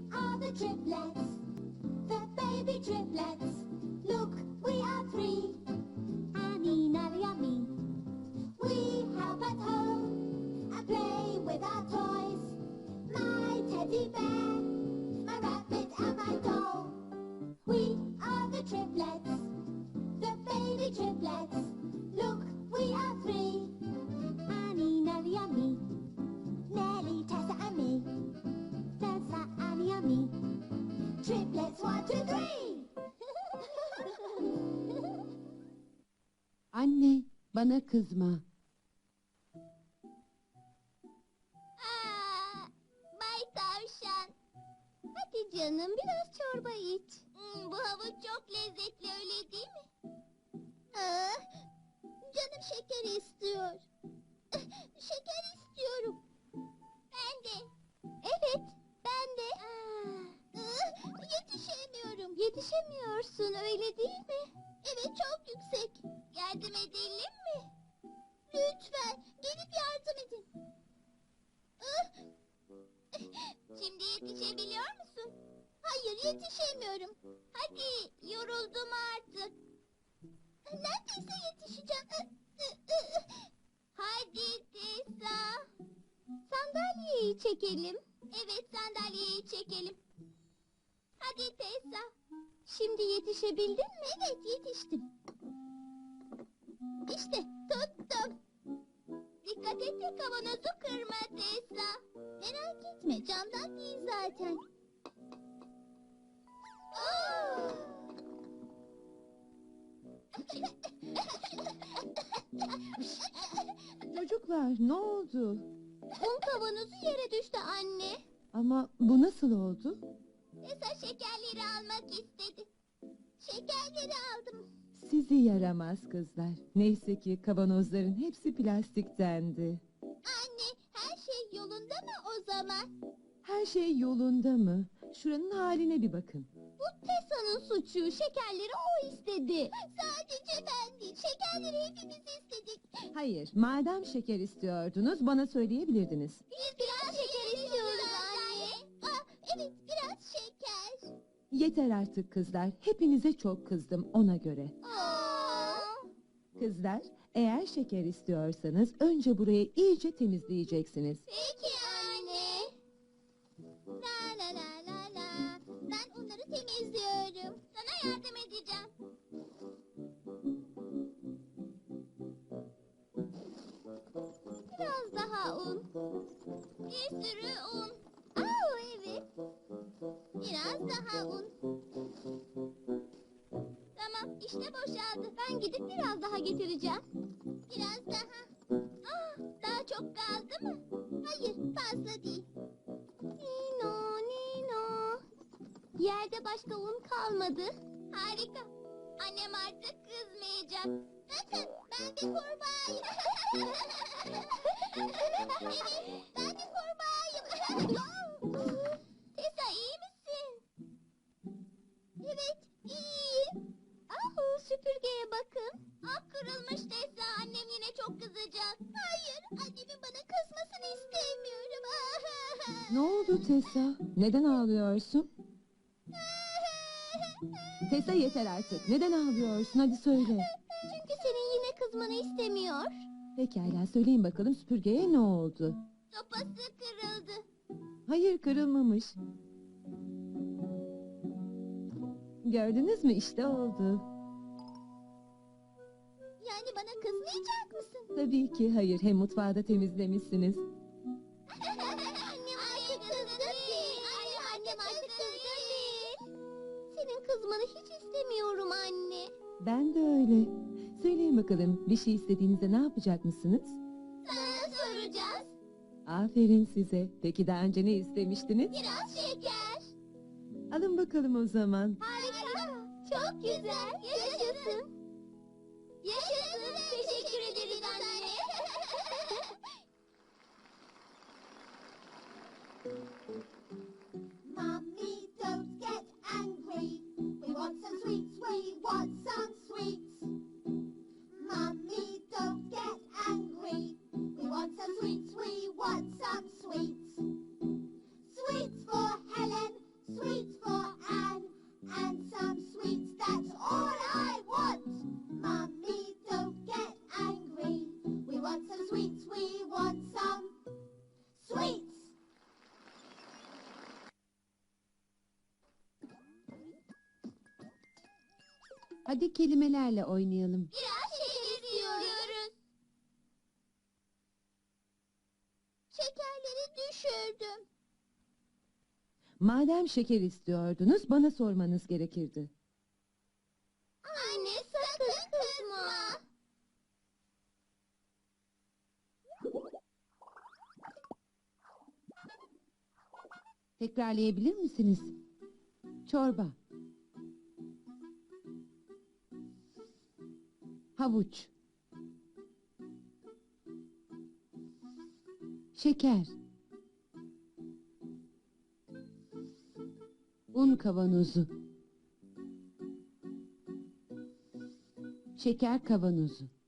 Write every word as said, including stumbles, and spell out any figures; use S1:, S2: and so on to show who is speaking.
S1: are the triplets, the baby triplets. Look, we are three, Annie, Nellie and me. We help at home and play with our toys. My teddy bear, my rabbit and my doll. We are the triplets, the baby triplets. Look, we are three, Annie, Nellie and me. Nellie, Tessa and me. Tessa, Annie and me. Triplets, one, two, three.
S2: Anne, bana kızma.
S1: Aa, Bay Tavşan. Hadi canım biraz çorba iç. Hmm, bu havuç çok lezzetli öyle değil mi? Aa, canım şeker istiyor. Şeker istiyorum. Ben de. Evet, ben de. Aa, yetişemiyorum. Yetişemiyorsun öyle değil mi? Evet, çok yüksek. Yardım edelim mi? Lütfen, gelip yardım edin. Ah! Şimdi yetişebiliyor musun? Hayır, yetişemiyorum. Hadi, yoruldum artık. Neredeyse yetişeceğim. Hadi Tessa. Sandalyeyi çekelim. Evet, sandalyeyi çekelim. Hadi Tessa. Şimdi yetişebildin mi? Evet, yetiştim. İşte, tuttum. Dikkat et de kavanozu kırma Tessa. Merak etme, camdan değil zaten. Oo!
S2: Çocuklar, ne oldu?
S1: Un kavanozu yere düştü anne.
S2: Ama bu nasıl oldu?
S1: Tessa şekerleri almak istedi. Şekerleri aldım.
S2: Sizi yaramaz kızlar. Neyse ki kavanozların hepsi plastiktendi.
S1: Anne, her şey yolunda mı o zaman?
S2: Her şey yolunda mı? Şuranın haline bir bakın.
S1: Bu Tessa'nın suçu. Şekerleri o istedi. Sadece ben değil. Şekerleri hepimiz istedik.
S2: Hayır, madem şeker istiyordunuz bana söyleyebilirdiniz.
S1: Biz biraz şeker istiyoruz anne. Aa, evet, biraz şeker.
S2: Yeter artık kızlar. Hepinize çok kızdım ona göre.
S1: Aa.
S2: Kızlar, eğer şeker istiyorsanız önce burayı iyice temizleyeceksiniz.
S1: Peki anne. La la la la la. Ben onları temizliyorum. Sana yardım edeceğim. Biraz daha un. Bir sürü un. Aa, evet. Biraz daha un. Tamam, işte boşaldı. Ben gidip biraz daha getireceğim. Biraz daha. Aa, daha çok kaldı mı? Hayır, fazla değil. Nino, Nino. Yerde başka un kalmadı. Harika. Annem artık kızmayacak. Bakın, ben bir kurbağayım. Evet, ben bir kurbağayım. Tessa, iyi misin? Evet, iyiyim. Ahu, süpürgeye bakın. Ah, kırılmış Tessa. Annem yine çok kızacak. Hayır, annemin bana kızmasını istemiyorum.
S2: Ne oldu Tessa? Neden ağlıyorsun? Tessa yeter artık. Neden ağlıyorsun? Hadi söyle.
S1: Çünkü senin yine kızmanı istemiyor.
S2: Pekala söyleyin bakalım süpürgeye ne oldu?
S1: Sopası kırıldı.
S2: Hayır kırılmamış. Gördünüz mü işte oldu.
S1: Yani bana kızmayacak mısın?
S2: Tabii ki hayır. Hem mutfağı da temizlemişsiniz.
S1: Annem artık kızgın değil. Annem, annem artık kızgın değil. Senin kızmanı hiç istemiyorum anne.
S2: Ben de öyle. Söyleyin bakalım bir şey istediğinizde ne yapacak mısınız?
S1: Sana soracağız.
S2: Aferin size. Peki daha önce ne istemiştiniz?
S1: Biraz şeker.
S2: Alın bakalım o zaman.
S1: Harika. Çok güzel. Yaşasın. Yaşasın. Teşekkür ederiz anne. Mommy, don't get angry. We want some sweets. We want some sweets. Mommy, don't get angry. We want some sweets. We want some sweets. Sweets for Helen,
S3: Hadi kelimelerle oynayalım.
S1: Biraz şeker istiyoruz. Şekerleri düşürdüm.
S2: Madem şeker istiyordunuz, bana sormanız gerekirdi.
S1: Anne sakın kızma.
S3: Tekrarlayabilir misiniz? Çorba. Havuç. Şeker. Un kavanozu. Şeker kavanozu.